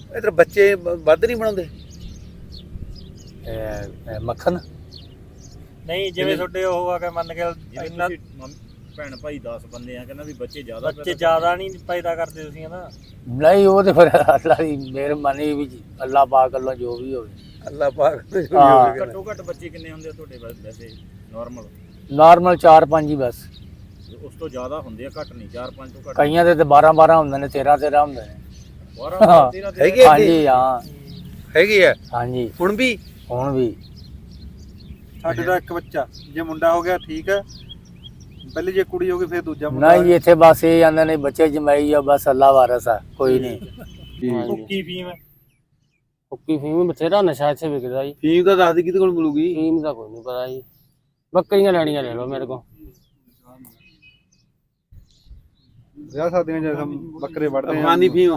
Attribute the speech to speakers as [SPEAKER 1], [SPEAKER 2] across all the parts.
[SPEAKER 1] इधर बच्चे ਵੱਧ ਨਹੀਂ ਬਣਾਉਂਦੇ
[SPEAKER 2] ਮੱਖਣ
[SPEAKER 3] ਨਹੀਂ ਜਿਵੇਂ ਤੁਹਾਡੇ ਉਹ ਆ ਕੇ ਮੰਨ ਕੇ ਇੰਨਾ
[SPEAKER 4] ਭੈਣ ਭਾਈ 10 ਬੰਦੇ ਆ ਕਹਿੰਦਾ ਵੀ ਬੱਚੇ ਜ਼ਿਆਦਾ
[SPEAKER 3] ਬੱਚੇ ਜ਼ਿਆਦਾ ਨਹੀਂ ਪੈਦਾ ਕਰਦੇ ਤੁਸੀਂ ਹਨਾ
[SPEAKER 2] ਨਹੀਂ ਉਹ ਤੇ ਫਿਰ ਅੱਲਾ ਦੀ ਮਿਹਰਬਾਨੀ ਵੀ ਅੱਲਾ ਪਾਕ ਵੱਲੋਂ ਜੋ ਵੀ ਹੋਵੇ
[SPEAKER 1] ਅੱਲਾ ਪਾਕ
[SPEAKER 2] ਹਾਂ।
[SPEAKER 4] ਘੱਟੋ ਘੱਟ ਬੱਚੇ ਕਿੰਨੇ ਹੁੰਦੇ ਆ ਤੁਹਾਡੇ ਵੈਸੇ
[SPEAKER 2] ਨਾਰਮਲ 4-5 ਹੀ ਬਸ
[SPEAKER 4] ਉਸ ਤੋਂ ਜ਼ਿਆਦਾ ਹੁੰਦੇ ਆ ਘੱਟ ਨਹੀਂ 4-5 ਤੋਂ ਘੱਟ
[SPEAKER 2] ਕਈਆਂ ਦੇ ਤੇ 12 ਹੁੰਦੇ ਨੇ 13 ਹੁੰਦੇ ਨੇ
[SPEAKER 4] 12 13
[SPEAKER 1] ਹੈਗੇ ਆ
[SPEAKER 2] ਹਾਂਜੀ ਹਾਂ
[SPEAKER 1] ਹੈਗੇ ਆ
[SPEAKER 2] ਹਾਂਜੀ
[SPEAKER 1] ਹੁਣ ਵੀ
[SPEAKER 2] ਹੁਣ ਵੀ
[SPEAKER 5] ਸਾਡੇ ਦਾ ਇੱਕ ਬੱਚਾ ਜੇ ਮੁੰਡਾ ਹੋ ਗਿਆ ਠੀਕ ਹੈ ਪਹਿਲੇ ਜੇ ਕੁੜੀ ਹੋ ਗਈ ਫਿਰ ਦੂਜਾ ਮੁੰਡਾ
[SPEAKER 2] ਨਹੀਂ ਇੱਥੇ ਬਸ ਇਹ ਜਾਂਦੇ ਨੇ ਬੱਚੇ ਜਮਾਈ ਆ ਬਸ ਅੱਲਾ ਵਾਰਸ ਆ ਕੋਈ ਨਹੀਂ
[SPEAKER 3] ਭੁੱਕੀ ਫੀਮ
[SPEAKER 6] ਹੁੱਕੀ ਫੀਮ ਬਥੇਰਾ ਨਸ਼ਾ ਇੱਥੇ ਵਿਕਦਾ ਜੀ
[SPEAKER 1] ਫੀਮ ਤਾਂ ਦੱਸ ਦੇ ਕਿਹਦੇ ਕੋਲ ਮਿਲੂਗੀ
[SPEAKER 6] ਫੀਮ ਦਾ ਕੋਈ ਨਹੀਂ ਪਤਾ ਜੀ ਬੱਕਰੀਆਂ ਲੈਣੀਆਂ ਲੈ ਲਓ ਮੇਰੇ ਕੋਲ
[SPEAKER 5] ਵਿਆਹ ਸ਼ਾਦੀਆਂ ਜੇ ਬੱਕਰੇ ਵੜਦੇ ਆ
[SPEAKER 1] ਅਫਗਾਨੀ ਫੀਮ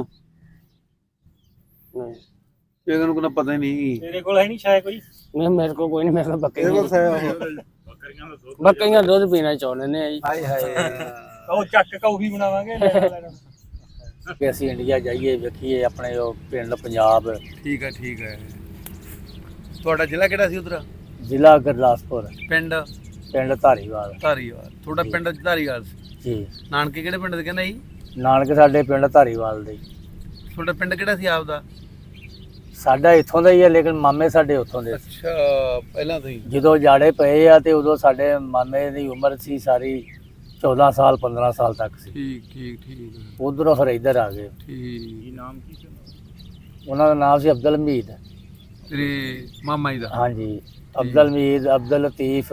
[SPEAKER 6] ਨਹੀਂ
[SPEAKER 1] ਇਹਨਾਂ ਨੂੰ ਕੋਈ ਪਤਾ ਹੀ ਨਹੀਂ
[SPEAKER 3] ਤੇਰੇ ਕੋਲ ਹੈ ਨਹੀਂ ਸ਼ਾਇਦ ਕੋਈ
[SPEAKER 6] ਨਹੀਂ ਮੇਰੇ ਕੋਲ ਕੋਈ ਨਹੀਂ ਮੇਰੇ ਕੋਲ
[SPEAKER 5] ਇਹਦੇ ਕੋਲ
[SPEAKER 6] ਬੱਕਰੀਆਂ ਦੁੱਧ ਪੀਣਾ ਚਾਹੁੰਦੇ ਨੇ ਜੀ
[SPEAKER 1] ਹਾਏ ਹਾਏ
[SPEAKER 3] ਉਹ ਚੱਕ ਕੌਫੀ ਬਣਾਵਾਂਗੇ ਲੈਣਾ
[SPEAKER 2] ਕਿ ਅਸੀਂ ਇੰਡੀਆ ਜਾਈਏ ਵੇਖੀਏ ਆਪਣੇ ਉਹ ਪਿੰਡ ਪੰਜਾਬ
[SPEAKER 1] ਠੀਕ ਹੈ ਤੁਹਾਡਾ ਜ਼ਿਲ੍ਹਾ ਕਿਹੜਾ ਸੀ ਉਧਰ
[SPEAKER 2] ਜ਼ਿਲ੍ਹਾ ਗੁਰਦਾਸਪੁਰ
[SPEAKER 1] ਪਿੰਡ
[SPEAKER 2] ਪਿੰਡ ਧਾਰੀਵਾਲ
[SPEAKER 1] ਧਾਰੀਵਾਲ ਤੁਹਾਡਾ ਪਿੰਡ ਧਾਰੀਵਾਲ ਸੀ
[SPEAKER 2] ਜੀ
[SPEAKER 1] ਨਾਨਕੇ ਕਿਹੜੇ ਪਿੰਡ ਦੇ ਕਹਿੰਦਾ ਜੀ
[SPEAKER 2] ਨਾਨਕ ਸਾਡੇ ਪਿੰਡ ਧਾਰੀਵਾਲ ਦੇ
[SPEAKER 1] ਤੁਹਾਡਾ ਪਿੰਡ ਕਿਹੜਾ ਸੀ ਆਪਦਾ
[SPEAKER 2] ਸਾਡਾ ਇੱਥੋਂ ਦਾ ਹੀ ਹੈ ਲੇਕਿਨ ਮਾਮੇ ਸਾਡੇ ਉੱਥੋਂ ਦੇ ਸੀ।
[SPEAKER 1] ਅੱਛਾ ਪਹਿਲਾਂ ਤੋਂ ਹੀ
[SPEAKER 2] ਜਦੋਂ ਜਾੜੇ ਪਏ ਆ ਤੇ ਉਦੋਂ ਸਾਡੇ ਮਾਮੇ ਦੀ ਉਮਰ ਸੀ ਸਾਰੀ 14 ਸਾਲ 15 ਸਾਲ ਤੱਕ ਸੀ
[SPEAKER 1] ਠੀਕ
[SPEAKER 2] ਉਧਰੋਂ ਫਿਰ ਇੱਧਰ ਆ ਗਏ
[SPEAKER 1] ਠੀਕ
[SPEAKER 4] ਨਾਮ ਕੀ ਸੀ
[SPEAKER 2] ਉਹਨਾਂ ਦਾ ਨਾਮ ਸੀ ਅਬਦੁਲ ਹਮੀਦ
[SPEAKER 1] ਤੇਰੇ ਮਾਮਾ ਜੀ ਦਾ
[SPEAKER 2] ਹਾਂਜੀ ਅਬਦੁਲ ਹਮੀਦ ਅਬਦੁਲ ਲਤੀਫ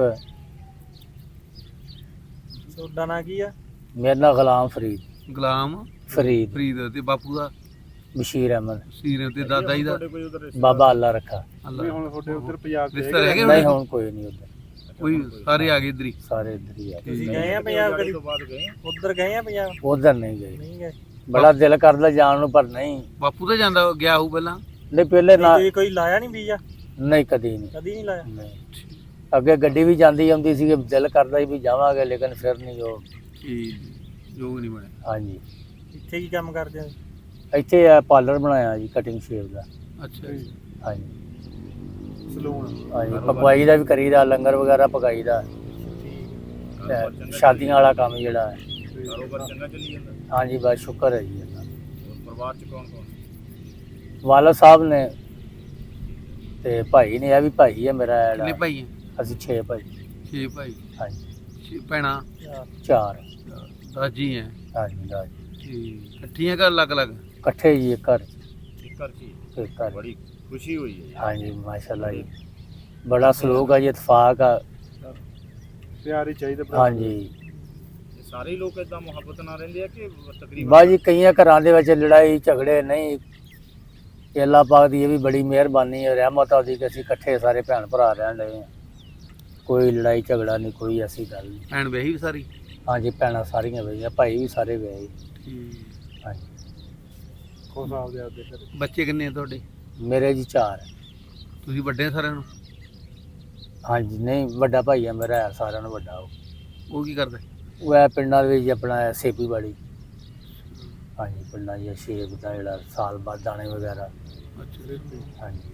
[SPEAKER 3] ਤੁਹਾਡਾ ਨਾਂ ਕੀ ਆ
[SPEAKER 2] ਮੇਰਾ ਨਾਮ ਗੁਲਾਮ ਫਰੀਦ
[SPEAKER 1] ਗੁਲਾਮ
[SPEAKER 2] ਫਰੀਦ
[SPEAKER 1] ਤੇ ਬਾਪੂ ਦਾ
[SPEAKER 2] ਬਸ਼ੀਰ ਅਹਿਮਦ
[SPEAKER 1] ਸੀਰ ਤੇ ਦਾਦਾ ਜੀ ਦਾ
[SPEAKER 2] ਬਾਬਾ ਅੱਲਾ ਰੱਖਾ
[SPEAKER 1] ਅੱਲਾ
[SPEAKER 5] ਹੁਣ ਤੁਹਾਡੇ ਉੱਧਰ ਪੰਜਾਬ ਦੇ
[SPEAKER 1] ਰਿਸ਼ਤਾ ਰਹਿ ਗਏ
[SPEAKER 2] ਨਹੀਂ
[SPEAKER 1] ਹੁਣ
[SPEAKER 2] ਹੁਣ ਕੋਈ ਨਹੀਂ ਉੱਧਰ
[SPEAKER 1] ਕੋਈ ਸਾਰੇ ਆ ਗਏ ਇੱਧਰ ਹੀ
[SPEAKER 2] ਸਾਰੇ ਇੱਧਰ ਹੀ ਆ
[SPEAKER 3] ਤੁਸੀਂ ਗਏ ਆ ਪੰਜਾਬ ਕਦੀ
[SPEAKER 4] ਬਾਅਦ ਗਏ
[SPEAKER 3] ਉੱਧਰ ਗਏ ਆ ਪੰਜਾਬ
[SPEAKER 2] ਉਧਰ ਨਹੀਂ ਗਏ
[SPEAKER 3] ਨਹੀਂ ਗਏ
[SPEAKER 2] ਬੜਾ ਦਿਲ ਕਰਦਾ ਜਾਣ ਨੂੰ ਪਰ ਨਹੀਂ
[SPEAKER 1] ਬਾਪੂ ਤਾਂ ਜਾਂਦਾ ਗਿਆ ਹੋਊ ਪਹਿਲਾਂ
[SPEAKER 2] ਨਹੀਂ ਪਹਿਲੇ ਨਾ
[SPEAKER 3] ਕੋਈ ਲਾਇਆ ਨਹੀਂ ਵੀਜ਼ਾ
[SPEAKER 2] ਨਹੀਂ ਕਦੀ ਨਹੀਂ
[SPEAKER 3] ਕਦੀ ਨਹੀਂ ਲਾਇਆ
[SPEAKER 2] ਨਹੀਂ ਅੱਗੇ ਗੱਡੀ ਵੀ ਜਾਂਦੀ ਆਉਂਦੀ ਸੀ ਦਿਲ ਕਰਦਾ ਸੀ ਵੀ ਜਾਵਾਂਗੇ ਲੇਕਿਨ ਫਿਰ ਨਹੀਂ ਉਹ
[SPEAKER 1] ਜੋ ਨਹੀਂ ਬਣਿਆ
[SPEAKER 2] ਹਾਂਜੀ
[SPEAKER 3] ਇੱਥੇ ਕੀ ਕੰਮ ਕਰਦੇ ਹੋ
[SPEAKER 2] ਇੱਥੇ ਆ ਪਾਰਲਰ ਬਣਾਇਆ ਜੀ ਕਟਿੰਗ ਸ਼ੇਪ ਦਾ
[SPEAKER 1] ਅੱਛਾ ਜੀ
[SPEAKER 2] ਹਾਂਜੀ
[SPEAKER 5] ਸਲੂਨ
[SPEAKER 2] ਹਾਂਜੀ ਪਕਵਾਈ ਦਾ ਵੀ ਕਰੀਦਾ ਲੰਗਰ ਵਗੈਰਾ ਪਕਾਈਦਾ ਸ਼ਾਦੀਆਂ ਵਾਲਾ ਕੰਮ ਜਿਹੜਾ ਹੈ
[SPEAKER 4] ਕਾਰੋਬਾਰ ਚੰਗਾ ਚੱਲੀ ਜਾਂਦਾ
[SPEAKER 2] ਹਾਂਜੀ ਬਸ ਸ਼ੁਕਰ ਹੈ ਜੀ ਇਹਦਾ।
[SPEAKER 4] ਹੋਰ ਪਰਿਵਾਰ ਚ ਕੌਣ
[SPEAKER 2] ਵਾਲਾ ਸਾਹਿਬ ਨੇ ਤੇ ਭਾਈ ਨੇ ਇਹ ਵੀ ਭਾਈ ਹੈ ਮੇਰਾ
[SPEAKER 1] ਕਿੰਨੇ
[SPEAKER 2] ਜਿਹੜਾ
[SPEAKER 1] ਭਾਈ ਹੈ
[SPEAKER 2] ਅਸੀਂ 6 ਭਾਈ
[SPEAKER 1] 6 ਭਾਈ
[SPEAKER 2] ਹਾਂਜੀ
[SPEAKER 1] 6 ਭੈਣਾਂ
[SPEAKER 2] 4
[SPEAKER 1] ਦਾਜੀ ਹੈ
[SPEAKER 2] ਹਾਂਜੀ ਹਾਂਜੀ
[SPEAKER 1] ਠੀਕ ਇਕੱਠੀਆਂ ਘਰ ਅਲੱਗ ਅਲੱਗ
[SPEAKER 2] ਇਕੱਠੇ ਜੀ ਇੱਕ ਘਰ
[SPEAKER 4] ਇੱਕ ਘਰ ਚ
[SPEAKER 2] ਇੱਕ ਘਰ
[SPEAKER 4] ਬੜੀ ਖੁਸ਼ੀ ਹੋਈ ਹੈ
[SPEAKER 2] ਹਾਂਜੀ ਮਾਸ਼ਾਅੱਲਾ ਜੀ ਬੜਾ ਸਲੂਕ ਆ ਜੀ ਇਤਫਾਕ ਆ
[SPEAKER 5] ਪਿਆਰ ਹੀ ਚਾਹੀਦਾ ਭਰਾ
[SPEAKER 2] ਹਾਂਜੀ
[SPEAKER 4] ਇਹ ਸਾਰੇ ਲੋਕ ਇਦਾਂ ਮੁਹੱਬਤ ਨਾਲ ਰਹਿੰਦੇ ਆ ਕਿ ਤਕਰੀਬਨ
[SPEAKER 2] ਬਾਜੀ ਕਈਆਂ ਘਰਾਂ ਦੇ ਵਿੱਚ ਲੜਾਈ ਝਗੜੇ ਨਹੀਂ ਤੇ ਅੱਲਾਹ ਪਾਕ ਦੀ ਇਹ ਵੀ ਬੜੀ ਮਿਹਰਬਾਨੀ ਹੈ ਰਹਿਮਤ ਆ ਉਹਦੀ ਕਿ ਅਸੀਂ ਇਕੱਠੇ ਸਾਰੇ ਭੈਣ ਭਰਾ ਰਹਿਣ ਰਹੇ ਹਾਂ ਕੋਈ ਲੜਾਈ ਝਗੜਾ ਨਹੀਂ ਕੋਈ ਐਸੀ ਗੱਲ ਨਹੀਂ
[SPEAKER 1] ਭੈਣ ਵਿਆਹੀ ਵੀ ਸਾਰੀ
[SPEAKER 2] ਹਾਂਜੀ ਭੈਣਾਂ ਸਾਰੀਆਂ ਵਈਆਂ ਭਾਈ ਵੀ ਸਾਰੇ ਗਏ
[SPEAKER 1] ਠੀਕ
[SPEAKER 2] ਹਾਂਜੀ
[SPEAKER 5] ਖੁਸ਼ ਆਪਦੇ ਆਪਦੇ ਘਰੇ
[SPEAKER 1] ਬੱਚੇ ਕਿੰਨੇ ਆ ਤੁਹਾਡੇ
[SPEAKER 2] ਮੇਰੇ ਜੀ 4
[SPEAKER 1] ਤੁਸੀਂ ਵੱਡੇ ਆ ਸਾਰਿਆਂ ਨੂੰ
[SPEAKER 2] ਹਾਂਜੀ ਨਹੀਂ ਵੱਡਾ ਭਾਈ ਆ ਮੇਰਾ ਹੈ ਸਾਰਿਆਂ ਨੂੰ ਵੱਡਾ
[SPEAKER 1] ਉਹ ਕੀ ਕਰਦਾ
[SPEAKER 2] ਉਹ ਹੈ ਪਿੰਡਾਂ ਦੇ ਵਿੱਚ ਆਪਣਾ ਸੇਪੀ ਬਾੜੀ ਹਾਂਜੀ ਪਿੰਡਾਂ ਦੀ ਸੇਬ ਦਾ ਜਿਹੜਾ ਸਾਲ ਬਾਅਦ ਦਾਣੇ ਵਗੈਰਾ
[SPEAKER 1] ਅੱਛਾ
[SPEAKER 2] ਹਾਂਜੀ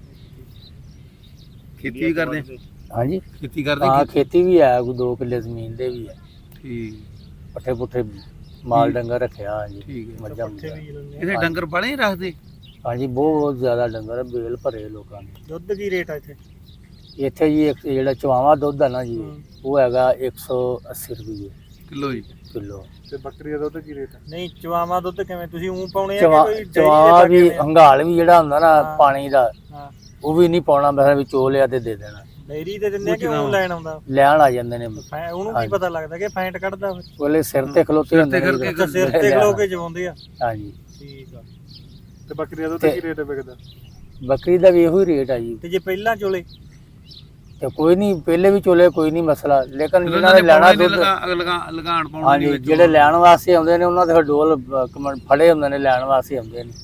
[SPEAKER 1] ਖੇਤੀ ਵੀ ਕਰਦੇ
[SPEAKER 2] ਹਾਂਜੀ
[SPEAKER 1] ਖੇਤੀ ਕਰਦੇ
[SPEAKER 2] ਹਾਂ ਖੇਤੀ ਵੀ ਹੈ ਕੋਈ 2 ਕਿੱਲੇ ਜ਼ਮੀਨ ਦੇ ਵੀ ਹੈ
[SPEAKER 1] ਠੀਕ
[SPEAKER 2] ਪੱਠੇ ਪੁੱਠੇ ਮਾਲ ਡੰਗਰ ਰੱਖਿਆ ਹਾਂਜੀ
[SPEAKER 1] ਠੀਕ ਹੈ
[SPEAKER 2] ਮੱਝਾਂ
[SPEAKER 3] ਉੱਥੇ
[SPEAKER 2] ਮੁੱਝਾਂ।
[SPEAKER 3] ਵੀ ਲੈਂਦੇ ਆ।
[SPEAKER 1] ਇਹਦੇ ਡੰਗਰ ਬਾਲੇ ਹੀ ਰੱਖਦੇ
[SPEAKER 2] ਹਾਂਜੀ ਬਹੁਤ ਜ਼ਿਆਦਾ ਡੰਗਰ ਆ, ਬੇਲ ਭਰੇ ਲੋਕਾਂ ਨੇ
[SPEAKER 3] ਦੁੱਧ ਕੀ ਰੇਟ ਆ ਇੱਥੇ
[SPEAKER 2] ਇੱਥੇ ਜੀ ਇੱਕ ਜਿਹੜਾ ਚਵਾਵਾ ਦੁੱਧ ਹੈ ਨਾ ਜੀ ਉਹ ਹੈਗਾ 180 ਰੁਪਏ
[SPEAKER 1] ਕਿਲੋ ਜੀ
[SPEAKER 2] ਕਿਲੋ
[SPEAKER 5] ਤੇ ਬੱਕਰੀ ਦਾ ਦੁੱਧ ਕੀ ਰੇਟ ਹੈ
[SPEAKER 3] ਨਹੀਂ ਚਵਾਵਾ ਦੁੱਧ ਕਿਵੇਂ ਤੁਸੀਂ ਉਂ ਪਾਉਣੇ ਆ ਕਿ ਕੋਈ dairy ਦੇ
[SPEAKER 2] ਚਵਾਵਾ
[SPEAKER 3] ਪਾ ਕੇ
[SPEAKER 2] ਵੀ
[SPEAKER 3] ਲਿਆਉਂਦੇ ਆ?
[SPEAKER 2] ਹੰਗਾਲ ਵੀ ਜਿਹੜਾ ਹੁੰਦਾ ਨਾ
[SPEAKER 3] ਹਾਂ।
[SPEAKER 2] ਪਾਣੀ ਦਾ
[SPEAKER 3] ਹਾਂ
[SPEAKER 2] ਉਹ ਵੀ ਨਹੀਂ ਪਾਉਣਾ ਮੈਂ ਵੀ ਚੋ ਲਿਆ ਤੇ ਦੇ ਦੇਣਾ
[SPEAKER 3] ਡੇਅਰੀ ਦੇ ਦਿੰਦੇ ਆ ਕਿ ਉਹ ਲੈਣ ਆਉਂਦਾ
[SPEAKER 2] ਲੈਣ ਆ ਜਾਂਦੇ ਨੇ
[SPEAKER 3] ਉਹਨੂੰ ਕੀ ਪਤਾ ਲੱਗਦਾ ਕਿ ਫੈਂਟ ਕੱਢਦਾ ਫਿਰ
[SPEAKER 2] ਉਹਲੇ ਸਿਰ ਤੇ ਖਲੋਤੇ ਹੁੰਦੇ ਨੇ
[SPEAKER 1] ਕਰਕੇ
[SPEAKER 3] ਅੱਛਾ ਸਿਰ ਤੇ ਖਲੋ ਕੇ ਜਵਾਉਂਦੇ ਆ
[SPEAKER 2] ਹਾਂਜੀ
[SPEAKER 3] ਠੀਕ ਆ
[SPEAKER 5] ਤੇ ਬੱਕਰੀ ਦਾ ਦੁੱਧ
[SPEAKER 2] ਤੇ-
[SPEAKER 5] ਕੀ ਰੇਟ ਵਿਕਦਾ
[SPEAKER 2] ਬੱਕਰੀ ਦਾ ਵੀ ਇਹੋ ਹੀ ਰੇਟ ਆ ਜੀ
[SPEAKER 3] ਤੇ ਜੇ ਪਹਿਲਾਂ ਚੋਲੇ
[SPEAKER 2] ਤੇ ਕੋਈ ਨਹੀਂ ਪਹਿਲੇ ਵੀ ਚੋਲੇ ਕੋਈ ਨਹੀਂ ਮਸਲਾ ਲੇਕਿਨ
[SPEAKER 1] ਜਦੋਂ
[SPEAKER 2] ਜਿਹਨਾਂ ਨੇ ਲੈਣਾ ਦੁੱਧ
[SPEAKER 1] ਲਗਾਣ ਪਾਉਣ
[SPEAKER 2] ਹਾਂਜੀ ਜਿਹੜੇ ਲੈਣ ਵਾਸਤੇ ਆਉਂਦੇ ਨੇ ਉਹਨਾਂ ਦੇ ਫਿਰ ਡੋਲ ਫੜੇ ਹੁੰਦੇ ਨੇ ਲੈਣ ਵਾਸਤੇ ਆਉਂਦੇ ਨੇ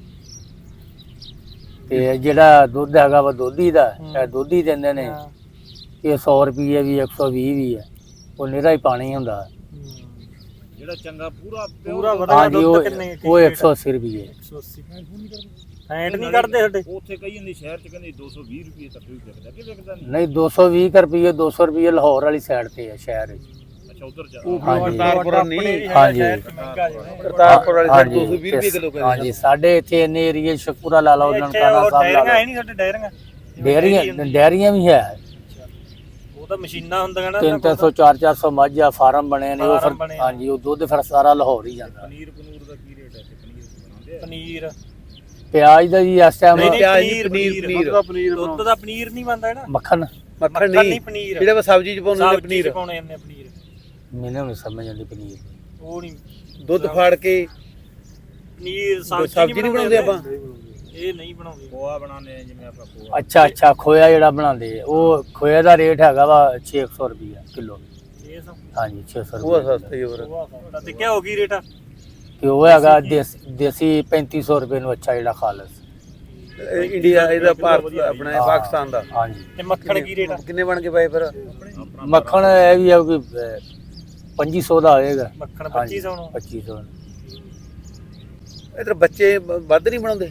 [SPEAKER 2] ਤੇ ਜਿਹੜਾ ਦੁੱਧ ਹੈਗਾ ਵਾ ਦੋਧੀ ਦਾ ਇਹ ਦੋਧੀ ਦਿੰਦੇ ਨੇ
[SPEAKER 3] ਹਾਂ।
[SPEAKER 2] ਇਹ 100 ਰੁਪਏ ਵੀ 120 ਵੀ ਹੈ ਉਹ ਨਿਹਰਾ ਹੀ ਪਾਣੀ ਹੁੰਦਾ
[SPEAKER 4] ਜਿਹੜਾ ਚੰਗਾ ਪੂਰਾ
[SPEAKER 3] ਪੂਰਾ
[SPEAKER 4] pure
[SPEAKER 3] ਵਧੀਆ
[SPEAKER 2] ਹਾਂਜੀ
[SPEAKER 3] ਦੁੱਧ
[SPEAKER 2] ਉਹ
[SPEAKER 3] ਕਿੰਨੇ
[SPEAKER 2] ਉਹ 180 ਰੁਪਏ
[SPEAKER 3] 180 ਫੈਂਟ ਨਹੀਂ ਕੱਢਦੇ ਸਾਡੇ
[SPEAKER 4] ਉੱਥੇ ਕਈ ਜਾਂਦੀ ਸ਼ਹਿਰ ਚ ਕਹਿੰਦੇ 220 ਰੁਪਏ ਤੱਕ ਵੀ ਵਿਕਦਾ ਕਿ ਵਿਕਦਾ ਨਹੀਂ
[SPEAKER 2] ਨਹੀਂ 220 ਰੁਪਏ 200 ਰੁਪਏ ਲਾਹੌਰ ਵਾਲੀ ਸਾਈਡ ਤੇ ਹੈ ਸ਼ਹਿਰ ਵਿੱਚ।
[SPEAKER 4] ਅੱਛਾ ਉਧਰ ਜਾ
[SPEAKER 2] ਹਾਂਜੀ
[SPEAKER 1] ਕਰਤਾਰਪੁਰ ਨਹੀਂ
[SPEAKER 2] ਹਾਂਜੀ
[SPEAKER 1] ਕਰਤਾਰਪੁਰ ਵਾਲੀ ਸਾਈਡ
[SPEAKER 2] ਹਾਂਜੀ
[SPEAKER 1] 220 ਰੁਪਏ ਕਿਲੋ ਪੈਂਦਾ
[SPEAKER 2] ਹਾਂਜੀ ਸਾਡੇ ਇੱਥੇ ਇੰਨੇ ਏਰੀਏ ਸ਼ਕੂਰਾ ਲਾ ਲਓ ਨਨਕਾਣਾ ਸਾਹਿਬ ਲਾ
[SPEAKER 3] ਡੈਰੀਆਂ ਹੈ
[SPEAKER 2] ਲਓ
[SPEAKER 3] ਨਹੀਂ ਸਾਡੇ ਡੈਰੀਆਂ
[SPEAKER 2] ਡੈਰੀਆਂ ਵੀ ਹੈ
[SPEAKER 3] ਉਹ ਤਾਂ ਮਸ਼ੀਨਾਂ ਹੁੰਦੀਆਂ ਨਾ
[SPEAKER 2] 300 400 ਮੱਝ ਆ ਫਾਰਮ ਬਣੇ ਨੇ ਉਹ
[SPEAKER 3] ਫਾਰਮ
[SPEAKER 2] ਫਿਰ
[SPEAKER 3] ਬਣੇ।
[SPEAKER 2] ਹਾਂਜੀ ਉਹ ਦੁੱਧ ਫਿਰ ਸਾਰਾ ਲਾਹੌਰ ਹੀ ਜਾਂਦਾ।
[SPEAKER 4] ਪਨੀਰ ਦਾ ਕੀ ਰੇਟ ਹੈ ਤੇ ਪਨੀਰ ਬਣਾਉਂਦੇ ਆ
[SPEAKER 3] ਪਨੀਰ
[SPEAKER 2] ਪਿਆਜ਼ ਦਾ ਜੀ ਇਸ ਟਾਈਮ
[SPEAKER 3] ਨਹੀਂ,
[SPEAKER 1] ਪਿਆਜ਼
[SPEAKER 3] ਪਨੀਰ,
[SPEAKER 1] ਪਨੀਰ
[SPEAKER 5] ਦੁੱਧ ਦਾ ਪਨੀਰ
[SPEAKER 3] ਦੁੱਧ ਦਾ ਪਨੀਰ ਨਹੀਂ ਬਣਦਾ ਨਾ
[SPEAKER 2] ਮੱਖਣ
[SPEAKER 1] ਮੱਖਣ ਨਹੀਂ
[SPEAKER 3] ਪਨੀਰ
[SPEAKER 1] ਜਿਹੜਾ ਸਬਜ਼ੀ ਚ ਪਾਉਂਦੇ ਨੇ
[SPEAKER 3] ਸਬਜ਼ੀ
[SPEAKER 1] ਪਨੀਰ
[SPEAKER 3] ਚ ਪਾਉਣੇ ਜਾਂਦੇ ਆ ਪਨੀਰ
[SPEAKER 2] ਮੈਨੂੰ ਨਹੀਂ ਸਮਝ ਆਉਂਦੀ ਪਨੀਰ
[SPEAKER 3] ਉਹ ਨਹੀਂ
[SPEAKER 1] ਦੁੱਧ ਫਾੜ ਕੇ
[SPEAKER 3] ਪਨੀਰ
[SPEAKER 1] ਸਬਜ਼ੀ ਨਹੀਂ ਬਣਾਉਂਦੇ ਆਪਾਂ
[SPEAKER 3] ਇਹ ਨਹੀਂ ਬਣਾਉਂਦੇ
[SPEAKER 4] ਖੋਆ ਬਣਾਉਂਦੇ ਆ ਜਿਵੇਂ ਆਪਾਂ ਖੋਆ
[SPEAKER 2] ਅੱਛਾ ਖੋਇਆ ਜਿਹੜਾ ਬਣਾਉਂਦੇ ਆ, ਉਹ ਖੋਏ ਦਾ ਰੇਟ ਹੈਗਾ ਵਾ 600 ਰੁਪਏ ਕਿਲੋ।
[SPEAKER 3] ਇਹ ਸਭ
[SPEAKER 2] ਹਾਂਜੀ 600
[SPEAKER 1] ਉਹ
[SPEAKER 2] ਰੁਪਏ
[SPEAKER 1] ਸਸਤਾ ਹੀ ਹੋਰ
[SPEAKER 3] ਤਾਂ ਤੇ ਕਿਆ ਹੋ ਗਈ ਰੇਟ
[SPEAKER 2] ਤੇ ਉਹ ਹੈਗਾ ਦੇਸੀ 3500 ਰੁਪਏ ਨੂੰ ਅੱਛਾ ਜਿਹੜਾ ਖਾਲਸ।
[SPEAKER 1] ਇੰਡੀਆ ਇਹਦਾ ਭਾਰਤ ਆਪਣਾ ਇਹ ਪਾਕਿਸਤਾਨ ਦਾ
[SPEAKER 2] ਹਾਂਜੀ
[SPEAKER 3] ਤੇ ਮੱਖਣ ਕੀ ਰੇਟ ਆ
[SPEAKER 1] ਕਿੰਨੇ ਬਣ ਕੇ ਪਏ ਫਿਰ
[SPEAKER 2] ਮੱਖਣ ਇਹ ਵੀ ਹੈ ਕਿ 2500 ਦਾ ਹੋਏਗਾ।
[SPEAKER 3] ਮੱਖਣ
[SPEAKER 2] ਹਾਂਜੀ,
[SPEAKER 3] 2500 ਨੂੰ
[SPEAKER 2] 2500
[SPEAKER 1] ਇਧਰ ਬੱਚੇ ਵੱਧ ਨਹੀਂ ਬਣਾਉਂਦੇ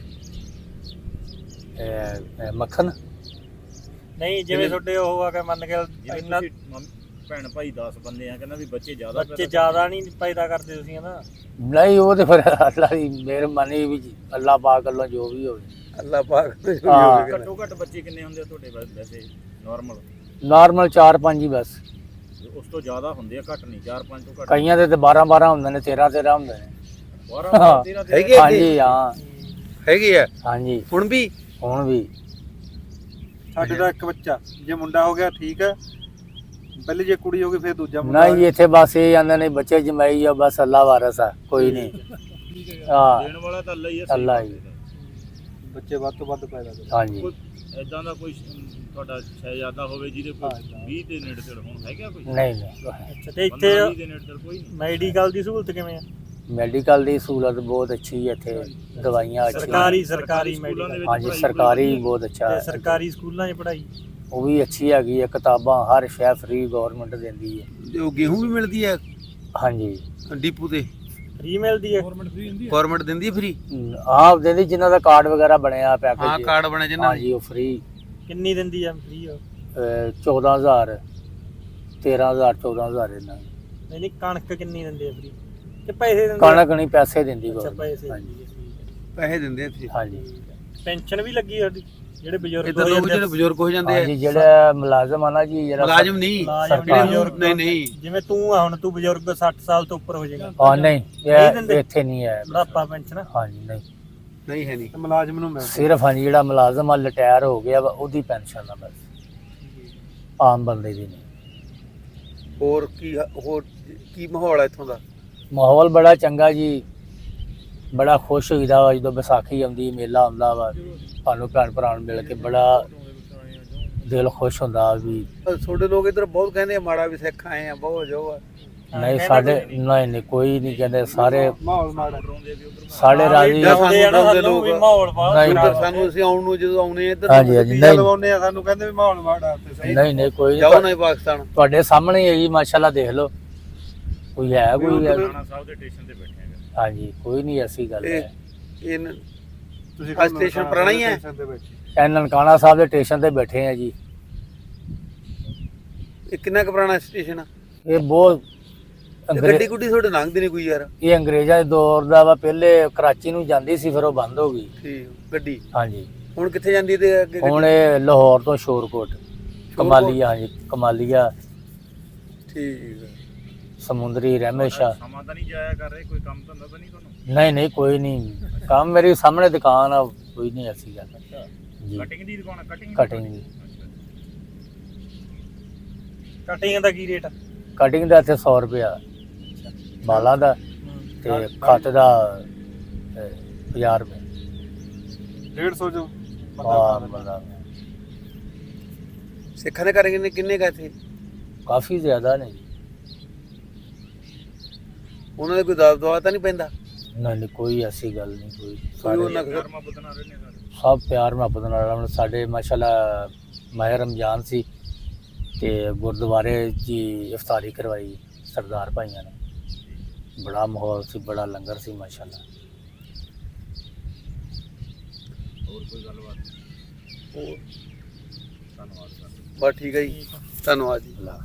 [SPEAKER 2] ਇਹ ਮੱਖਣ
[SPEAKER 3] ਨਹੀਂ ਜਿਵੇਂ ਤੁਹਾਡੇ ਉਹ ਆ ਕੇ ਮੰਨ ਕੇ
[SPEAKER 4] ਜਿਵੇਂ
[SPEAKER 3] ਇੰਨਾ
[SPEAKER 4] ਤੁਸੀਂ ਭੈਣ ਭਾਈ 10 ਬੰਦੇ ਆ ਕਹਿੰਦਾ ਵੀ ਬੱਚੇ ਜ਼ਿਆਦਾ
[SPEAKER 3] ਬੱਚੇ ਜ਼ਿਆਦਾ ਨਹੀਂ ਪੈਦਾ ਕਰਦੇ ਤੁਸੀਂ ਨਾ
[SPEAKER 2] ਨਹੀਂ ਉਹ ਤੇ ਫਿਰ ਅੱਲਾ ਦੀ ਮਿਹਰਬਾਨੀ ਵੀ ਅੱਲਾ ਪਾਕ ਵੱਲੋਂ ਜੋ ਵੀ ਹੋਵੇ।
[SPEAKER 1] ਅੱਲਾਹ ਪਾਕ ਨੇ ਜੋ ਵੀ
[SPEAKER 2] ਹਾਂ।
[SPEAKER 1] ਹੋਵੇ ਕਹਿਣਾ।
[SPEAKER 4] ਘੱਟੋ ਘੱਟ ਬੱਚੇ ਕਿੰਨੇ ਹੁੰਦੇ ਆ ਤੁਹਾਡੇ ਵੈਸੇ ਨਾਰਮਲ
[SPEAKER 2] ਨਾਰਮਲ 4-5 ਹੀ ਬਸ।
[SPEAKER 4] ਉਸ ਤੋਂ ਜ਼ਿਆਦਾ ਹੁੰਦੇ ਆ ਘੱਟ ਨਹੀਂ 4-5 ਤੋਂ ਘੱਟ
[SPEAKER 2] ਕਈਆਂ ਦੇ ਤੇ 12 ਹੁੰਦੇ ਨੇ 13 ਹੁੰਦੇ ਨੇ।
[SPEAKER 4] 12 13
[SPEAKER 1] ਹੈਗੇ ਆ
[SPEAKER 2] ਹਾਂਜੀ ਹਾਂ
[SPEAKER 1] ਹੈਗੇ ਆ
[SPEAKER 2] ਹਾਂਜੀ
[SPEAKER 1] ਹੁਣ ਵੀ
[SPEAKER 2] ਹੁਣ ਵੀ
[SPEAKER 5] ਸਾਡੇ ਦਾ ਇੱਕ ਬੱਚਾ ਜੇ ਮੁੰਡਾ ਹੋ ਗਿਆ ਠੀਕ ਹੈ, ਪਹਿਲੇ ਜੇ ਕੁੜੀ ਹੋ ਗਈ ਫਿਰ ਦੂਜਾ ਮੁੰਡਾ
[SPEAKER 2] ਨਹੀਂ ਇੱਥੇ ਬਸ ਇਹ ਜਾਂਦੇ ਨੇ ਬੱਚੇ ਜਮਾਈ ਆ ਬਸ ਅੱਲਾ ਵਾਰਸ ਆ ਕੋਈ ਨਹੀਂ। ਹਾਂ
[SPEAKER 4] ਦੇਣ ਵਾਲਾ ਤਾਂ ਅੱਲਾ ਹੀ ਹੈ
[SPEAKER 2] ਅੱਲਾ ਹੀ।
[SPEAKER 5] ਬੱਚੇ ਵੱਧ ਤੋਂ ਵੱਧ ਪੈਦਾ ਕਰਦੇ।
[SPEAKER 2] ਹਾਂਜੀ
[SPEAKER 4] ਕੋਈ ਐਦਾਂ ਦਾ ਕੋਈ ਤੁਹਾਡਾ ਸ਼ਹਿਜ਼ਾਦਾ ਹੋਵੇ ਜਿਹਦੇ ਕੋਲ 20 ਦੇ ਨੇੜੇ ਤੇੜ ਹੁਣ ਹੈਗਾ ਕੋਈ
[SPEAKER 2] ਨਹੀਂ ਨਹੀਂ
[SPEAKER 3] ਅੱਛਾ ਤੇ ਇੱਥੇ
[SPEAKER 4] 15 20 ਦੇ ਨੇੜੇ ਤੇੜ ਕੋਈ ਨਹੀਂ
[SPEAKER 3] ਮੈਡੀਕਲ ਦੀ ਸਹੂਲਤ ਕਿਵੇਂ ਆ
[SPEAKER 2] ਮੈਡੀਕਲ ਦੀ ਸਹੂਲਤ ਬਹੁਤ ਅੱਛੀ ਹੈ ਇੱਥੇ, ਦਵਾਈਆਂ ਅੱਛੀਆਂ।
[SPEAKER 3] ਸਰਕਾਰੀ
[SPEAKER 4] ਸਕੂਲਾਂ ਦੇ
[SPEAKER 3] ਮੈਡੀਕਲ
[SPEAKER 4] ਵਿੱਚ
[SPEAKER 2] ਹਾਂਜੀ
[SPEAKER 4] ਪੜ੍ਹਾਈ
[SPEAKER 2] ਸਰਕਾਰੀ ਬਹੁਤ ਅੱਛਾ
[SPEAKER 3] ਤੇ
[SPEAKER 2] ਹੈ।
[SPEAKER 3] ਸਰਕਾਰੀ ਸਕੂਲਾਂ 'ਚ ਪੜ੍ਹਾਈ
[SPEAKER 2] ਉਹ ਵੀ ਅੱਛੀ ਹੈਗੀ ਹੈ, ਕਿਤਾਬਾਂ ਹਰ ਸ਼ੈ ਫ੍ਰੀ ਗਵਰਨਮੈਂਟ ਦਿੰਦੀ ਹੈ।
[SPEAKER 1] ਤੇ ਉਹ ਗੇਹੂੰ ਵੀ ਮਿਲਦੀ ਹੈ
[SPEAKER 2] ਹਾਂਜੀ
[SPEAKER 1] ਡੀਪੂ ਤੇ
[SPEAKER 3] ਫ੍ਰੀ ਮਿਲਦੀ ਹੈ
[SPEAKER 1] ਗਵਰਨਮੈਂਟ ਦਿੰਦੀ ਹੈ ਫ੍ਰੀ
[SPEAKER 2] ਆਹ ਦਿੰਦੀ ਜਿਨ੍ਹਾਂ ਦਾ ਕਾਰਡ ਵਗੈਰਾ ਬਣਿਆ
[SPEAKER 1] ਹਾਂ
[SPEAKER 2] ਪੈਕੇਜ।
[SPEAKER 1] ਕਾਰਡ ਬਣੇ ਜਿੰਨਾਂ
[SPEAKER 2] ਹਾਂਜੀ ਉਹ ਫ੍ਰੀ
[SPEAKER 3] ਕਿੰਨੀ ਦਿੰਦੀ ਆ ਫ੍ਰੀ
[SPEAKER 2] 14000 13000 14000 ਇਹਨਾਂ ਦੀ।
[SPEAKER 3] ਨਹੀਂ ਨਹੀਂ ਕਣਕ ਕਿੰਨੀ ਦਿੰਦੇ ਆ ਫ੍ਰੀ ਕਿ ਪੈਸੇ ਦਿੰਦੇ
[SPEAKER 2] ਕਣਕ ਨਹੀਂ ਪੈਸੇ ਦਿੰਦੀ
[SPEAKER 3] ਅੱਛਾ
[SPEAKER 2] government।
[SPEAKER 3] ਪੈਸੇ
[SPEAKER 2] ਹਾਂਜੀ
[SPEAKER 3] ਦਿੰਦੀ ਹੈ।
[SPEAKER 1] ਪੈਸੇ ਦਿੰਦੇ ਇੱਥੇ
[SPEAKER 2] ਹਾਂਜੀ
[SPEAKER 3] ਪੈਨਸ਼ਨ ਵੀ ਲੱਗੀ ਸਾਡੀ ਜਿਹੜੇ ਬਜ਼ੁਰਗ
[SPEAKER 1] ਇੱਧਰ
[SPEAKER 3] ਹੋ
[SPEAKER 1] ਲੋਕ
[SPEAKER 3] ਜਾਂਦੇ
[SPEAKER 1] ਜਿਹੜੇ ਬਜ਼ੁਰਗ ਹੋ ਜਾਂਦੇ
[SPEAKER 2] ਹਾਂਜੀ
[SPEAKER 1] ਆ
[SPEAKER 2] ਜਿਹੜਾ ਮੁਲਾਜ਼ਮ ਆ ਨਾ ਜੀ ਜਿਹੜਾ
[SPEAKER 1] ਮੁਲਾਜ਼ਮ ਨਹੀਂ
[SPEAKER 3] ਮੁਲਾਜ਼ਮ
[SPEAKER 2] ਸਰਕਾਰ।
[SPEAKER 3] ਬਜ਼ੁਰਗ
[SPEAKER 1] ਨਹੀਂ ਨਹੀਂ
[SPEAKER 3] ਜਿਵੇਂ ਤੂੰ ਆ ਹੁਣ ਤੂੰ ਬਜ਼ੁਰਗ 60 ਸਾਲ ਤੋਂ ਉੱਪਰ ਹੋ ਜਾਏਗਾ
[SPEAKER 2] ਹਾਂ ਨਹੀਂ
[SPEAKER 3] ਨਹੀਂ ਦਿੰਦੇ?
[SPEAKER 2] ਇਹ ਇੱਥੇ ਨਹੀਂ ਹੈ।
[SPEAKER 3] ਬੁਢਾਪਾ ਪੈਨਸ਼ਨ
[SPEAKER 2] ਹਾਂਜੀ ਨਹੀਂ
[SPEAKER 1] ਨਹੀਂ ਹੈ ਨਹੀਂ
[SPEAKER 5] ਤੇ ਮੁਲਾਜ਼ਮ ਨੂੰ ਮਿਲਦਾ
[SPEAKER 2] ਸਿਰਫ ਹਾਂਜੀ ਜਿਹੜਾ ਮੁਲਾਜ਼ਮ ਆ ਰਿਟਾਇਰ ਹੋ ਗਿਆ ਵਾ ਉਹਦੀ ਪੈਨਸ਼ਨ ਆ ਬਸ, ਆਮ ਬੰਦੇ ਦੀ ਨਹੀਂ।
[SPEAKER 1] ਹੋਰ ਕੀ ਮਾਹੌਲ ਹੈ ਇੱਥੋਂ ਦਾ
[SPEAKER 2] ਮਾਹੌਲ ਬੜਾ ਚੰਗਾ ਜੀ, ਬੜਾ ਖੁਸ਼ ਹੋਈਦਾ ਵਾ ਜਦੋਂ ਵਿਸਾਖੀ ਆਉਂਦੀ ਮੇਲਾ ਆਉਂਦਾ ਵਾ, ਸਾਨੂੰ ਭੈਣ ਭਰਾ ਨੂੰ ਮਿਲ ਕੇ ਬੜਾ ਦਿਲ ਖੁਸ਼ ਹੁੰਦਾ ਵੀ।
[SPEAKER 1] ਤੁਹਾਡੇ ਲੋਕ ਇੱਧਰ ਬਹੁਤ ਕਹਿੰਦੇ ਆ ਮਾੜਾ ਵੀ ਸਿੱਖ ਆਏ ਆ ਬਹੁਤ ਜੋ ਆ
[SPEAKER 2] ਨਹੀਂ ਸਾਡੇ ਨਹੀਂ ਕੋਈ ਨਹੀਂ ਕਹਿੰਦੇ, ਸਾਰੇ
[SPEAKER 5] ਮਾਹੌਲ ਮਾੜਾ
[SPEAKER 2] ਸਾਡੇ ਰਾਜੀ।
[SPEAKER 1] ਜਾਂ
[SPEAKER 3] ਆਉਂਦੇ ਆ ਨਾ
[SPEAKER 1] ਸਾਨੂੰ
[SPEAKER 3] ਸਾਨੂੰ ਵੀ
[SPEAKER 1] ਲੋਕ-
[SPEAKER 3] ਮਾਹੌਲ ਬਾਹਲਾ
[SPEAKER 2] ਨਹੀਂ,
[SPEAKER 1] ਇੱਧਰ ਸਾਨੂੰ ਅਸੀਂ ਆਉਣ ਨੂੰ ਜਦੋਂ ਆਉਨੇ ਇੱਧਰ
[SPEAKER 2] ਹਾਂਜੀ ਹਾਂਜੀ
[SPEAKER 5] ਟੀਕਾ
[SPEAKER 2] ਨਹੀਂ
[SPEAKER 5] ਲਵਾਉਂਦੇ ਆ ਸਾਨੂੰ ਕਹਿੰਦੇ ਵੀ ਮਾਹੌਲ ਮਾੜਾ ਤੇ ਸਹੀ
[SPEAKER 2] ਨਹੀਂ ਕੋਈ
[SPEAKER 1] ਜਾਓ
[SPEAKER 2] ਨਹੀਂ,
[SPEAKER 1] ਨਾ ਪਾਕਿਸਤਾਨ
[SPEAKER 2] ਤੁਹਾਡੇ ਸਾਹਮਣੇ ਹੀ ਹੈ ਜੀ ਮਾਸ਼ਾਅੱਲਾ, ਦੇਖ ਲਓ ਕੋਈ ਹੈ ਕੋਈ ਹੈ।
[SPEAKER 4] ਰਾਣਾ ਸਾਹਿਬ ਦੇ ਸਟੇਸ਼ਨ ਤੇ ਬੈਠੇ ਆ
[SPEAKER 2] ਹਾਂਜੀ ਕੋਈ ਨਹੀਂ ਐਸੀ ਗੱਲ ਹੈ।
[SPEAKER 1] ਇਹ
[SPEAKER 5] ਤੁਸੀਂ
[SPEAKER 1] ਆਹ ਸਟੇਸ਼ਨ ਪੁਰਾਣਾ ਹੀ ਹੈ?
[SPEAKER 5] ਸਟੇਸ਼ਨ ਤੇ ਬੈਠੇ।
[SPEAKER 2] ਇਹ ਨਨਕਾਣਾ ਸਾਹਿਬ ਦੇ ਸਟੇਸ਼ਨ ਤੇ ਬੈਠੇ ਆ ਜੀ।
[SPEAKER 1] ਇਹ ਕਿੰਨਾ ਕੁ ਪੁਰਾਣਾ ਸਟੇਸ਼ਨ ਆ
[SPEAKER 2] ਇਹ ਬਹੁਤ
[SPEAKER 1] ਗੱਡੀ ਗੁੱਡੀ ਤੁਹਾਡੇ ਲੰਘਦੀ ਨਹੀਂ ਕੋਈ ਯਾਰ
[SPEAKER 2] ਇਹ ਅੰਗਰੇਜ਼ਾਂ ਦੇ ਦੌਰ ਦਾ ਵਾ, ਪਹਿਲੇ ਕਰਾਚੀ ਨੂੰ ਜਾਂਦੀ ਸੀ ਫਿਰ ਉਹ ਬੰਦ ਹੋ ਗਈ।
[SPEAKER 1] ਠੀਕ ਗੱਡੀ
[SPEAKER 2] ਹਾਂਜੀ
[SPEAKER 1] ਹੁਣ ਕਿੱਥੇ ਜਾਂਦੀ ਹੈ ਤੇ ਅੱਗੇ
[SPEAKER 2] ਹੁਣ ਇਹ ਲਾਹੌਰ ਤੋਂ ਸ਼ੋਰਕੋਟ ਕਮਾਲੀਆ, ਹਾਂਜੀ ਕਮਾਲੀਆ
[SPEAKER 1] ਠੀਕ ਹੈ
[SPEAKER 2] ਸਮੁੰਦਰੀ ਰਹਿਮੇਸ਼ਾ।
[SPEAKER 4] ਸਮਾਂ ਤਾਂ ਨਹੀਂ ਜਾਇਆ ਕਰ ਰਹੇ ਕੋਈ ਕੰਮ ਧੰਦਾ ਤਾਂ ਨਹੀਂ ਤੁਹਾਨੂੰ
[SPEAKER 2] ਨਹੀਂ ਕੋਈ ਨਹੀਂ ਕੰਮ, ਮੇਰੀ ਸਾਹਮਣੇ ਦੁਕਾਨ ਆ, ਕੋਈ ਨਹੀਂ ਐਸੀ ਗੱਲ ਜੀ।
[SPEAKER 4] ਕਟਿੰਗ ਦੀ ਦੁਕਾਨ ਕਟਿੰਗ
[SPEAKER 2] ਕਟਿੰਗ ਦੀ
[SPEAKER 3] ਕਟਿੰਗ ਦਾ ਕੀ ਰੇਟ ਆ
[SPEAKER 2] ਕਟਿੰਗ ਦਾ ਇੱਥੇ 100 ਰੁਪਇਆ ਬਾਲਾਂ ਦਾ ਤੇ ਖੱਤ ਦਾ 50 ਰੁਪਏ।
[SPEAKER 5] 150 ਜੋ
[SPEAKER 2] ਹਾਂ ਬੰਦਾ
[SPEAKER 1] ਸਿੱਖਾਂ ਦੇ ਘਰ ਕਿੰਨੇ ਕਾ ਇੱਥੇ
[SPEAKER 2] ਕਾਫੀ ਜ਼ਿਆਦਾ ਨੇ ਜੀ।
[SPEAKER 1] ਉਹਨਾਂ ਦੇ ਕੋਈ ਦਾਬ ਦਵਾ ਤਾਂ ਨਹੀਂ ਪੈਂਦਾ
[SPEAKER 2] ਨਹੀਂ ਕੋਈ ਐਸੀ ਗੱਲ ਨਹੀਂ, ਕੋਈ
[SPEAKER 1] ਕੋਈ
[SPEAKER 2] ਸਾਰੇ
[SPEAKER 1] ਉਹਨਾਂ
[SPEAKER 4] ਘਰ ਮਾ ਬਦਨਾ ਰਹੇ ਨੇ ਸਾਰੇ
[SPEAKER 2] ਸਭ ਪਿਆਰ ਮੁਹੱਬਤ ਨਾਲ ਰਹਿਣ। ਸਾਡੇ ਮਾਸ਼ਾਅੱਲਾ ਮਾਹ ਰਮਜ਼ਾਨ ਸੀ ਤੇ ਗੁਰਦੁਆਰੇ ਜੀ ਇਫਤਾਰੀ ਕਰਵਾਈ ਸਰਦਾਰ ਭਾਈਆਂ ਨੇ। ਬੜਾ ਮਾਹੌਲ ਸੀ, ਬੜਾ ਲੰਗਰ ਸੀ ਮਾਸ਼ਾਅੱਲਾ।
[SPEAKER 4] ਹੋਰ ਕੋਈ ਗੱਲਬਾਤ? ਧੰਨਵਾਦ ਸਰ।
[SPEAKER 1] ਬਸ ਠੀਕ ਹੈ ਜੀ, ਧੰਨਵਾਦ ਜੀ।
[SPEAKER 2] ਅੱਲਾ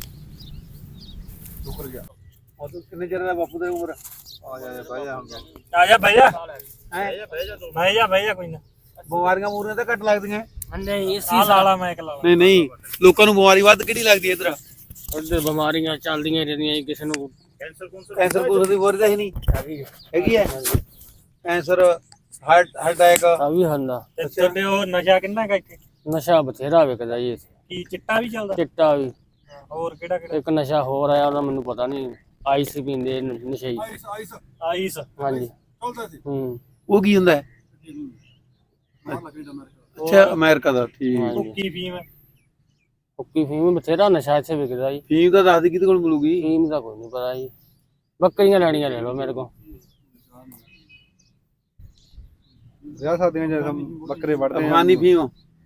[SPEAKER 1] ਸ਼ੁਕਰ ਗਿਆ। ਉਹ ਕਿੰਨੇ ਚਿਰ ਦਾ ਬਾਪੂ ਦੀ ਉਮਰ?
[SPEAKER 5] ਆ ਜਾ ਬਹਿ ਜਾ ਹੁਣ
[SPEAKER 3] ਆ ਜਾ ਬਹਿ ਜਾ
[SPEAKER 4] ਬਹਿ ਜਾ
[SPEAKER 3] ਬਹਿ ਜਾ ਕੋਈ ਨਾ
[SPEAKER 1] ਬਿਮਾਰੀਆਂ ਮੂਰੀਆਂ ਤਾਂ ਘੱਟ ਲੱਗਦੀਆਂ।
[SPEAKER 6] ਨਹੀਂ
[SPEAKER 3] ਆ ਲਾਲਾ ਮੈਂ ਇੱਕ ਲਾਲਾ
[SPEAKER 1] ਨਹੀਂ ਨਹੀਂ, ਲੋਕਾਂ ਨੂੰ ਬਿਮਾਰੀ ਵੱਧ ਕਿਹੜੀ ਲੱਗਦੀ ਹੈ ਇਧਰ?
[SPEAKER 6] ਉੱਧਰ ਬਿਮਾਰੀਆਂ ਚੱਲਦੀਆਂ ਰਹਿੰਦੀਆਂ ਜੀ, ਕਿਸੇ ਨੂੰ
[SPEAKER 4] ਕੈਂਸਰ ਕੌਂਸਰ
[SPEAKER 1] ਕੈਂਸਰ ਕੂਸਰ ਦੀ ਬਿਮਾਰੀ ਤਾਂ ਹੀ ਨਹੀਂ ਹੈਗੀ ਹੈ। Cancer, heart attack.
[SPEAKER 6] ਆ ਵੀ ਹੁੰਦਾ।
[SPEAKER 3] ਤੇ ਤੁਹਾਡੇ ਉਹ ਨਸ਼ਾ ਕਿੰਨਾ ਕਾ ਇੱਥੇ?
[SPEAKER 6] ਨਸ਼ਾ ਬਥੇਰਾ ਵਿਕਦਾ ਜੀ ਇੱਥੇ,
[SPEAKER 3] ਕੀ ਚਿੱਟਾ ਵੀ ਚੱਲਦਾ?
[SPEAKER 6] ਚਿੱਟਾ ਵੀ।
[SPEAKER 3] ਹੋਰ ਕਿਹੜਾ ਕਿਹੜਾ?
[SPEAKER 6] ਇੱਕ ਨਸ਼ਾ ਹੋਰ ਆਇਆ, ਉਹਦਾ ਮੈਨੂੰ ਪਤਾ ਨਹੀਂ। ਆਈਸ ਪੀਂਦੇ ਨਸ਼ੇ।
[SPEAKER 3] ਆਈਸ।
[SPEAKER 6] ਹਾਂਜੀ। ਹੂੰ।
[SPEAKER 1] ਉਹ ਕੀ ਹੁੰਦਾ ਹੈ? ਅੱਛਾ, ਅਮਰੀਕਾ ਦਾ। ਠੀਕ।
[SPEAKER 6] ਹਾਂਜੀ।
[SPEAKER 3] ਭੁੱਕੀ ਫੀਮ।
[SPEAKER 6] ਹੁੱਕੀ ਫੀਮ ਬਥੇਰਾ ਨਸ਼ਾ ਇੱਥੇ ਵਿਕਦਾ ਜੀ।
[SPEAKER 1] ਫੀਮ ਤਾਂ ਦੱਸ ਦੇ ਕਿਹਦੇ ਕੋਲ ਮਿਲੂਗੀ?
[SPEAKER 6] ਫੀਮ ਦਾ ਕੋਈ ਨਹੀਂ ਪਤਾ ਜੀ। ਬੱਕਰੀਆਂ ਲੈਣੀਆਂ ਲੈ ਲਓ ਮੇਰੇ ਕੋਲ।
[SPEAKER 5] ਵਿਆਹ ਸ਼ਾਦੀਆਂ ਚ ਬੱਕਰੇ ਵੜਦੇ ਆ।
[SPEAKER 1] ਅਫਗਾਨੀ ਫੀਮ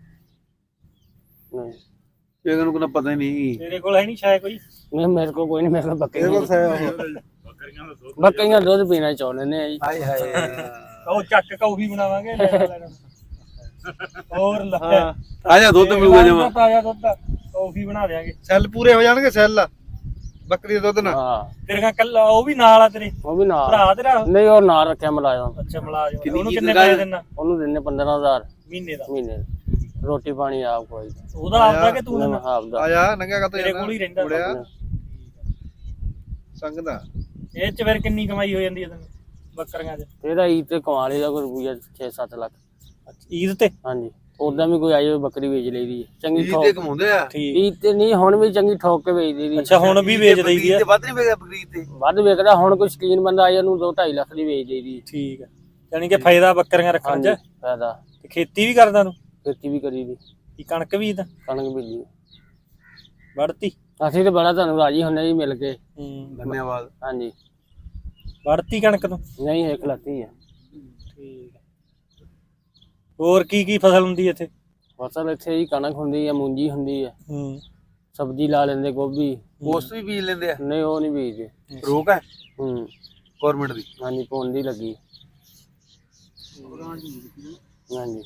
[SPEAKER 6] ਨਹੀਂ
[SPEAKER 1] ਇਹਨਾਂ ਨੂੰ ਕੋਈ ਪਤਾ ਹੀ ਨਹੀਂ।
[SPEAKER 3] ਤੇਰੇ ਕੋਲ ਹੈ ਨਹੀਂ ਸ਼ਾਇਦ ਕੋਈ?
[SPEAKER 6] ਨਹੀਂ ਮੇਰੇ ਕੋਲ ਕੋਈ ਨਹੀਂ, ਮੇਰੇ ਕੋਲ
[SPEAKER 5] ਇਹਦੇ
[SPEAKER 6] ਬੱਕਰੀਆਂ।
[SPEAKER 5] ਕੋਲ
[SPEAKER 4] ਬੱਕਰੀਆਂ ਦਾ ਦੁੱਧ
[SPEAKER 6] ਬੱਕਰੀਆਂ ਦੁੱਧ ਪੀਣਾ ਚਾਹੁੰਦੇ ਨੇ ਜੀ।
[SPEAKER 1] ਹਾਏ ਹਾਏ।
[SPEAKER 3] ਉਹ ਚੱਕ ਕੌਫੀ ਬਣਾਵਾਂਗੇ ਲੈਣਾ। ਹੋਰ ਲੈ
[SPEAKER 1] ਆ ਜਾ, ਦੁੱਧ ਮਿਲੂਗਾ ਜਮਾ।
[SPEAKER 3] ਤਾਜ਼ਾ ਦੁੱਧ ਕੌਫੀ ਬਣਾ ਦੇਾਂਗੇ।
[SPEAKER 5] ਸੈੱਲ ਪੂਰੇ ਹੋ ਜਾਣਗੇ, ਸੈੱਲ ਬੱਕਰੀ ਦੇ ਦੁੱਧ ਨਾਲ।
[SPEAKER 6] ਹਾਂ
[SPEAKER 3] ਤੇਰੇ ਕੱਲਾ ਉਹ ਵੀ ਨਾਲ ਆ ਤੇਰੇ
[SPEAKER 6] ਉਹ ਵੀ ਨਾਲ।
[SPEAKER 3] ਭਰਾ ਤੇਰਾ?
[SPEAKER 6] ਨਹੀਂ ਉਹ ਨਾਲ ਰੱਖਿਆ ਮੁਲਾਜ਼ਮ।
[SPEAKER 3] ਅੱਛਾ ਮੁਲਾਜ਼ਮ।
[SPEAKER 1] ਕਿੰਨੀ
[SPEAKER 3] ਉਹਨੂੰ
[SPEAKER 1] ਕੀ
[SPEAKER 3] ਕਿੰਨੇ
[SPEAKER 1] ਤਨਖਾਹ
[SPEAKER 3] ਪੈਸੇ ਦੇਣਾ
[SPEAKER 6] ਉਹਨੂੰ ਦਿੰਦੇ 15,000
[SPEAKER 3] ਮਹੀਨੇ ਦਾ?
[SPEAKER 6] ਮਹੀਨੇ। ਰੋਟੀ ਪਾਣੀ ਆਪ ਕੋਈ।
[SPEAKER 3] ਉਹਦਾ ਆਪਦਾ ਕਿ ਤੂੰ ਦੇਣਾ?
[SPEAKER 6] ਆਪਦਾ।
[SPEAKER 5] ਆ ਜਾ ਨੰਗਾ ਕਾ
[SPEAKER 3] ਤੇਰੇ ਕੋਲ ਹੀ ਰਹਿੰਦਾ
[SPEAKER 5] ਮੁੜਿਆ ਸੰਗ ਦਾ।
[SPEAKER 3] ਇਹ ਚ ਫਿਰ ਕਿੰਨੀ ਕਮਾਈ ਹੋ ਜਾਂਦੀ ਹੈ ਤੈਨੂੰ ਬੱਕਰੀਆਂ 'ਚ?
[SPEAKER 6] ਇਹਦਾ ਈਦ ਤੇ ਕਮਾ ਲਈਦਾ ਕੋਈ ਰੁਪਈਆ 6-7 ਲੱਖ।
[SPEAKER 3] ਈਦ ਤੇ?
[SPEAKER 6] ਹਾਂਜੀ। ਉਦਾਂ ਵੀ ਕੋਈ ਆਈ ਹੋਈ ਬੱਕਰੀ ਵੇਚ ਲਈਦੀ ਹੈ ਚੰਗੀ
[SPEAKER 1] ਇਹ ਤੇ
[SPEAKER 6] ਠੋਕ।
[SPEAKER 1] ਕਮਾਉਂਦੇ ਆ।
[SPEAKER 3] ਠੀਕ।
[SPEAKER 6] ਈਦ ਤੇ ਨਹੀਂ, ਹੁਣ ਵੀ ਚੰਗੀ ਠੋਕ ਕੇ ਵੇਚ ਦਈਦੀ।
[SPEAKER 3] ਅੱਛਾ ਹੁਣ ਵੀ ਵੇਚ ਦਈਦੀ ਆ?
[SPEAKER 1] ਤੇ ਵੱਧ ਨਹੀਂ ਵੇਚਦਾ ਬਕਰੀ ਤੇ।
[SPEAKER 6] ਵੱਧ ਵਿਕਦਾ। ਹੁਣ ਕੋਈ ਸ਼ਕੀਨ ਬੰਦਾ ਆਇਆ ਨੂੰ 2-2.5 ਲੱਖ ਦੀ ਵੇਚ ਦਈਦੀ।
[SPEAKER 3] ਠੀਕ ਹੈ, ਯਾਨੀ ਕਿ ਫਾਇਦਾ ਬੱਕਰੀਆਂ ਰੱਖਣ
[SPEAKER 6] ਹਾਂਜੀ
[SPEAKER 3] 'ਚ।
[SPEAKER 6] ਫਾਇਦਾ।
[SPEAKER 3] ਤੇ ਖੇਤੀ ਵੀ ਕਰਦਾ ਤੂੰ?
[SPEAKER 6] ਖੇਤੀ ਵੀ ਕਰੀਦੀ।
[SPEAKER 3] ਕੀ ਕਣਕ ਵੀ ਤਾਂ
[SPEAKER 6] ਕਣਕ ਬੀਜੀ।
[SPEAKER 3] ਵੜਤੀ?
[SPEAKER 6] ਅਸੀਂ ਤੇ ਬੜਾ ਤੁਹਾਨੂੰ ਰਾਜੀ ਹੁੰਨੇ ਜੀ ਮਿਲ ਕੇ।
[SPEAKER 1] ਧੰਨਵਾਦ।
[SPEAKER 6] ਹਾਂਜੀ।
[SPEAKER 3] ਵੜਤੀ ਕਣਕ ਤੂੰ?
[SPEAKER 6] ਨਹੀਂ ਇੱਕ ਲੱਤੀ ਹੈ।
[SPEAKER 3] ਠੀਕ ਹੈ। ਹੋਰ ਕੀ ਕੀ ਫਸਲ ਹੁੰਦੀ ਇੱਥੇ?
[SPEAKER 6] ਫਸਲ ਇੱਥੇ ਹੀ ਕਣਕ ਹੁੰਦੀ ਹੈ, ਮੂੰਜੀ ਹੁੰਦੀ ਹੈ,
[SPEAKER 3] ਹੂੰ।
[SPEAKER 6] ਸਬਜ਼ੀ ਲਾ ਲੈਂਦੇ, ਗੋਭੀ।
[SPEAKER 1] ਪੋਸਟ ਵੀ ਬੀਜ ਲੈਂਦੇ ਆ?
[SPEAKER 6] ਨਹੀਂ ਉਹ ਨਹੀਂ ਬੀਜਦੇ।
[SPEAKER 1] ਰੋਕ ਹੈ
[SPEAKER 6] ਹੂੰ।
[SPEAKER 1] ਗਵਰਨਮੈਂਟ ਦੀ?
[SPEAKER 6] ਹਾਂਜੀ ਪੌਂਦੀ ਲੱਗੀ। ਹਾਂਜੀ।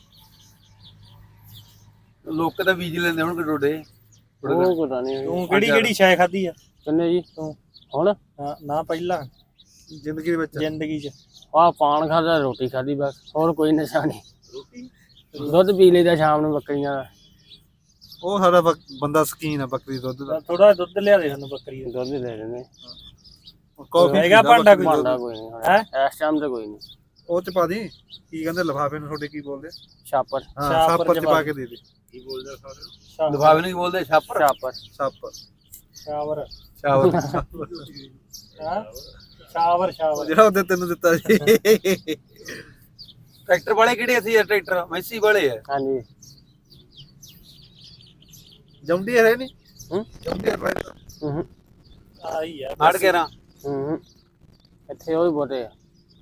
[SPEAKER 1] ਲੋਕ ਤਾਂ ਬੀਜ ਲੈਂਦੇ ਹੁਣ ਡੋਡੇ।
[SPEAKER 6] ਉਹ ਪਤਾ ਨਹੀਂ
[SPEAKER 3] ਤੂੰ ਕਿਹੜੀ ਕਿਹੜੀ ਸ਼ੈ ਖਾਧੀ ਆ
[SPEAKER 6] ਕਿੰਨੇ ਜੀ
[SPEAKER 3] ਤੂੰ?
[SPEAKER 6] ਹੁਣ
[SPEAKER 3] ਨਾ ਪਹਿਲਾਂ
[SPEAKER 5] ਜ਼ਿੰਦਗੀ ਦੇ ਵਿੱਚ
[SPEAKER 3] ਜ਼ਿੰਦਗੀ 'ਚ?
[SPEAKER 6] ਆਹ ਪਾਨ ਖਾਦਾ, ਰੋਟੀ ਖਾਦੀ, ਬਸ ਹੋਰ ਕੋਈ ਨਸ਼ਾ ਨਹੀਂ। ਦੁੱਧ ਪੀ ਲਈਦਾ ਸ਼ਾਮ ਨੂੰ ਬੱਕਰੀਆਂ ਦਾ।
[SPEAKER 5] ਉਹ ਸਾਡਾ ਬੰਦਾ ਸਕੀਨ ਆ ਬੱਕਰੀ ਦੁੱਧ ਦਾ।
[SPEAKER 3] ਥੋੜਾ ਦੁੱਧ ਲਿਆ ਦੇ ਸਾਨੂੰ ਬੱਕਰੀ ਦਾ।
[SPEAKER 6] ਦੁੱਧ ਲੈ ਲੈਂਦੇ।
[SPEAKER 5] ਕਾਫੀ
[SPEAKER 3] ਹੈਗਾ ਭਾਂਡਾ ਕੋਈ?
[SPEAKER 6] ਭਾਂਡਾ ਕੋਈ ਨਹੀਂ
[SPEAKER 3] ਹੈਂ?
[SPEAKER 6] ਇਸ ਟਾਈਮ ਤੇ ਕੋਈ ਨਹੀਂ।
[SPEAKER 5] ਉਹ ਚ ਪਾ ਦੀ। ਕੀ ਕਹਿੰਦੇ ਲਿਫਾਫੇ ਨੂੰ ਤੁਹਾਡੇ ਕੀ ਬੋਲਦੇ?
[SPEAKER 6] ਛਾਪਰ।
[SPEAKER 5] ਹਾਂ
[SPEAKER 3] ਛਾਪਰ
[SPEAKER 5] ਛਾਪਰ ਚ
[SPEAKER 3] ਚ
[SPEAKER 5] ਪਾ ਕੇ ਦੇ ਦੇ।
[SPEAKER 4] ਕੀ ਬੋਲਦੇ ਆ ਸਾਰੇ?
[SPEAKER 1] ਲਿਫਾਫੇ ਨੂੰ ਕੀ ਬੋਲਦੇ? ਛਾਪਰ।
[SPEAKER 6] ਛਾਪਰ।
[SPEAKER 5] ਛਾਪਰ
[SPEAKER 3] ਸ਼ਾਵਰ।
[SPEAKER 1] ਛਾਪਰ।
[SPEAKER 3] ਹਾਂ ਸ਼ਾਵਰ ਸ਼ਾਵਰ।
[SPEAKER 5] ਜਿਹੜਾ ਉਹਦੇ ਤੈਨੂੰ ਦਿੱਤਾ ਸੀ।
[SPEAKER 1] ਟਰੈਕਟਰ ਵਾਲੇ ਕਿਹੜੇ ਸੀ? ਟਰੈਕਟਰ ਮੈਸੀ ਵਾਲੇ ਆ।
[SPEAKER 6] ਹਾਂਜੀ।
[SPEAKER 5] ਜੌਂਡੀ ਹੈ ਨਹੀਂ?
[SPEAKER 6] ਹੂੰ।
[SPEAKER 5] ਜੌਂਡੀ ਹੈ
[SPEAKER 6] ਹੂੰ।
[SPEAKER 3] ਆਈ ਆ
[SPEAKER 1] ਹੜ ਕੇ ਰਾਂ।
[SPEAKER 6] ਹੂੰ। ਇੱਥੇ ਉਹ ਹੀ ਬਹੁਤੇ ਆ।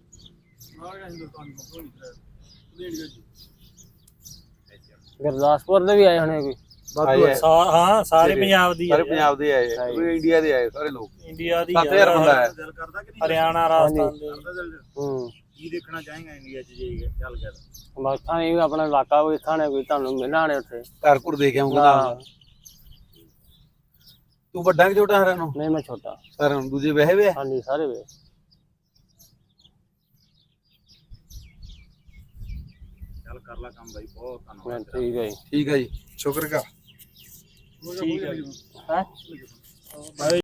[SPEAKER 6] ਗੁਰਦਾਸਪੁਰ ਦੇ ਵੀ ਆਏ ਹੋਣੇ ਕੋਈ।
[SPEAKER 5] ਵਾਧੂ ਹੈ।
[SPEAKER 3] ਹਾਂ ਸਾਰੇ ਪੰਜਾਬ ਦੀ ਆ
[SPEAKER 1] ਸਾਰੇ ਪੰਜਾਬ ਦੇ ਆਏ, ਪੂਰੇ ਇੰਡੀਆ ਦੇ ਆਏ ਸਾਰੇ ਲੋਕ।
[SPEAKER 3] ਇੰਡੀਆ ਦੀ
[SPEAKER 1] 7000 ਬੰਦਾ ਹੈ।
[SPEAKER 4] ਦਿਲ ਕਰਦਾ ਕਿ ਨਹੀਂ?
[SPEAKER 3] ਹਰਿਆਣਾ ਰਾਜਸਥਾਨ ਦੇ।
[SPEAKER 6] ਹੂੰ।
[SPEAKER 4] ਕੀ ਦੇਖਣਾ ਚਾहेगा ਇੰਡੀਆ 'ਚ ਜੇ ਚੱਲ ਗਿਆ ਤਾਂ?
[SPEAKER 6] ਬਾਕਾਂ ਨਹੀਂ ਆਪਣਾ ਇਲਾਕਾ ਕੋਈ ਥਾਣੇ ਕੋਈ ਤੁਹਾਨੂੰ ਮਿਲਣਾ ਨੇ ਉੱਥੇ।
[SPEAKER 1] ਘਰ ਘੁਰ ਦੇ ਕੇ ਆਉਂਗਾ। ਤੂੰ ਵੱਡਾ ਕਿ ਛੋਟਾ ਸਾਰਿਆਂ ਨੂੰ?
[SPEAKER 6] ਨਹੀਂ ਮੈਂ ਛੋਟਾ।
[SPEAKER 1] ਸਾਰਿਆਂ ਨੂੰ ਦੂਜੇ ਵਹਿ ਵੇ?
[SPEAKER 6] ਹਾਂਜੀ ਸਾਰੇ ਵੇ।
[SPEAKER 4] ਚੱਲ ਕਰ ਲੈ ਕੰਮ ਬਾਈ, ਬਹੁਤ ਧੰਨਵਾਦ।
[SPEAKER 6] ਠੀਕ ਹੈ ਜੀ।
[SPEAKER 1] ਠੀਕ ਹੈ ਜੀ।
[SPEAKER 5] ਸ਼ੁਕਰ ਕਾ।
[SPEAKER 3] ਠੀਕ ਹੈ।